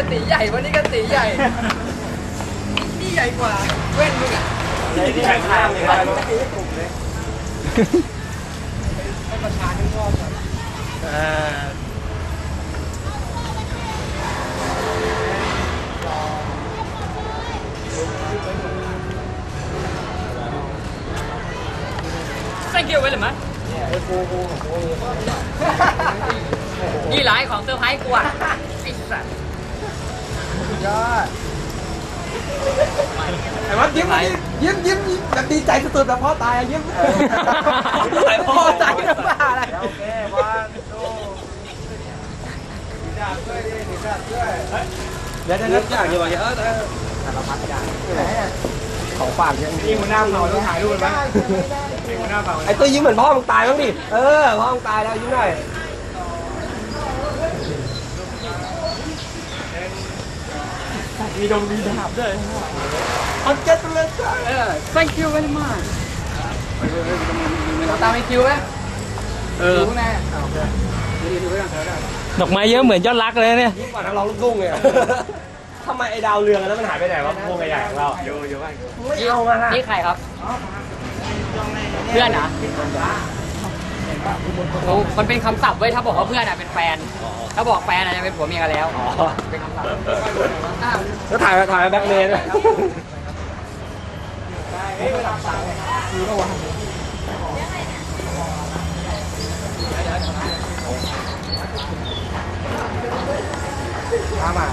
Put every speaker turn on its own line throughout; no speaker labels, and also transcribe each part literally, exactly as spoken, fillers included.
ตีใหญ่วันนี้ก็ตีใหญ่นี่ใหญ่กว่าเว้นมึงอ่ะ
นี่ใหญ่มากเลยครับตีให้กลุ่มเลย
ให้ประชาชนชอบก่อน
อ่า
thank you ไว้เลยมั้ยนี่หลายของเซอร์ไพรส์กูอ่ะไอ้สัสยอด
แต่ว่ายิ้มยิ้มยิ้มยิ้มแบบดีใจสุดๆแบบพ่อตายยิ้มพ่อตายน้ำตาอะไรโอเควันดูดีจัดด้วยดิดีจัดด้วยเดี๋ยวจะนึกอย่างอยู่ว่าเยอะนะสารพัดอย่างของฝากยังมีหัวหน้าเผาต้องถ่ายรูปไหมหัวหน้าเผาไอ้ตัวยิ้มเหมือนพ่อมึงตายบ้างดิเออพ่อมึงตายแล้วยิ้มหน่อยมีดงมีดาบด้วยเอาเจ็ดเลยจ้า
thank you very much ตามไอคิวไหมเออรู้แน่โอเคดูไว้ก่อนเถอะได้
ดอกไม้เยอะเหมือนยอดรักเลยเนี่ย
ยิ่งกว่านักร้องลูกทุ่งเลยทำไมไอ้ดาวเรืองแล้วมันหายไปไหนวะวงใหญ่ๆของเราโยโย่ไม่เอามาละ
นี่ใครครับเพื่อนเหรอมันเป็นคำศัพท์เว้ยถ้าบอกว่าเพื่อนอ่ะเป็นแฟนถ้าบอกแฟนอ่ะจะเป็นผัวเมียกันแล้วเป็นคำศัพท์
แล้วถ่ายถ่ายแบ็คเมย์ด้วยมามา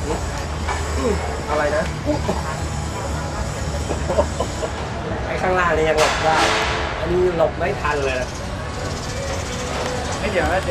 อะไรนะไอ้ข้างล่างนี่ยังหลบได้อันนี้หลบไม่ทันเลยไม่เดี๋ยว